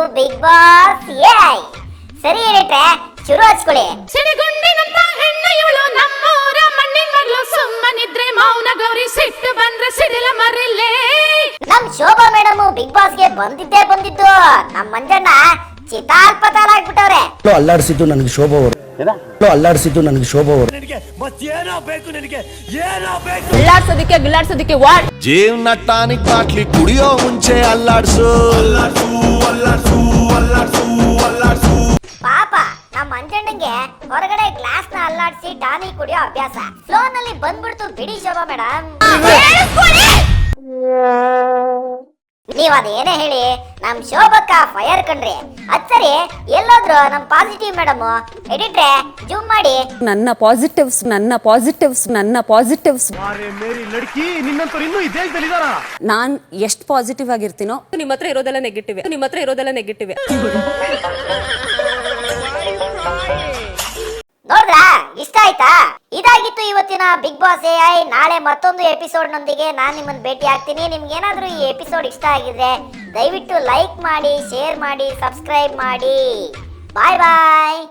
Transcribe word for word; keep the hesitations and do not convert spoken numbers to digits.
Big boss ಏಯ್ ಸರಿ ಹೇಳಿಟ್ರೆ ಶುರು ಹಚ್ಕೊಳ್ಳಿ. ಸಿಡಿಗುಂಡಿನಂತ ಹೆಣ್ಣು ಇವಳು ನಮ್ಮೂರ ಮಣ್ಣಿನ ಮಗಳು ಸುಮ್ಮನಿದ್ರೆ ಮೌನ ಗೌರಿ ಸಿಟ್ಟು ಬಂದ್ರೆ ಸಿಡಿಲ ಮರಿಲೇ. ನಮ್ ಶೋಭಾ ಮೇಡಮ್ ಬಿಗ್ ಬಾಸ್ ಗೆ ಬಂದಿದ್ದೇ ಬಂದಿದ್ದು ನಮ್ ಮಂಜಣ್ಣ ಚಿತಾಲ್ ಪತಾಲ್ ಆಗ್ಬಿಟ್ಟವ್ರೆ. ಅಲ್ಲಾಡಿಸಿದ್ದು ನನಗೆ ಶೋಭಾ ಅವರು ಅಲ್ಲಾಡಿಸಿದ್ದು ನನಗೆ ಶೋಭಾ ಅವರು ಗಿಲ್ಲಾಡ್ಸೋದಿಕ್ಕೆ ಗಿಲ್ಲಾಡ್ಸೋದಿಕ್ಕೆ ವಾಟ್ ಜೀವನ ಟಾನಿಕ್ ಬಾಟ್ಲಿ ಕುಡಿಯೋ ಮುಂಚೆ ಅಲ್ಲಾಡ್ಸು ಪಾಪ ನಮ್ ಮಂಜಣ್ಣಂಗೆ ಹೊರಗಡೆ ಗ್ಲಾಸ್ ನ ಅಲ್ಲಾಡ್ಸಿ ಟಾನಿಕ್ ಕುಡಿಯೋ ಅಭ್ಯಾಸ. ಫ್ಲೋ ನಲ್ಲಿ ಬಂದ್ಬಿಡ್ತು ಬಿಡಿ ಶೋಭಾ ಮೇಡಮ್. ನೀವ್ ಅದೇನೇ ಹೇಳಿ ನಮ್ ಶೋಭಕ್ಕ ಫೈರ್ ಕಣ್ರಿ. ಅದ್ ಸರಿ ಎಲ್ಲೋದ್ರು ನಮ್ ಪಾಸಿಟಿವ್ ಮೇಡಮ್ ಎಡಿಟ್ರೆ ಜೂಮ್ ಮಾಡಿ. ನನ್ನ ಪಾಸಿಟಿವ್ಸ್ ನನ್ನ ಪಾಸಿಟಿವ್ಸ್ ನನ್ನ ಪಾಸಿಟಿವ್ಸ್ ನಾನ್ ಎಷ್ಟು ಪಾಸಿಟಿವ್ ಆಗಿರ್ತೀನೋ ನಿಮ್ಮ ಹತ್ರ ಇರೋದೆಲ್ಲ ನೆಗೆಟಿವ್ ನಿಮ್ಮ ಹತ್ರ ಇರೋದೆಲ್ಲ ನೆಗೆಟಿವ್. ನೋಡ್ರಾ ಇಷ್ಟ ಆಯ್ತಾ? ಇದಾಗಿತ್ತು ಇವತ್ತಿನ ಬಿಗ್ ಬಾಸ್ ಎ ಐ. ನಾಳೆ ಮತ್ತೊಂದು ಎಪಿಸೋಡ್ ನೊಂದಿಗೆ ನಾನ್ ನಿಮ್ಮನ್ನ ಭೇಟಿ ಆಗ್ತೀನಿ. ನಿಮ್ಗೆ ಏನಾದ್ರೂ ಈ ಎಪಿಸೋಡ್ ಇಷ್ಟ ಆಗಿದ್ರೆ ದಯವಿಟ್ಟು ಲೈಕ್ ಮಾಡಿ, ಶೇರ್ ಮಾಡಿ, ಸಬ್ಸ್ಕ್ರೈಬ್ ಮಾಡಿ. ಬಾಯ್ ಬಾಯ್.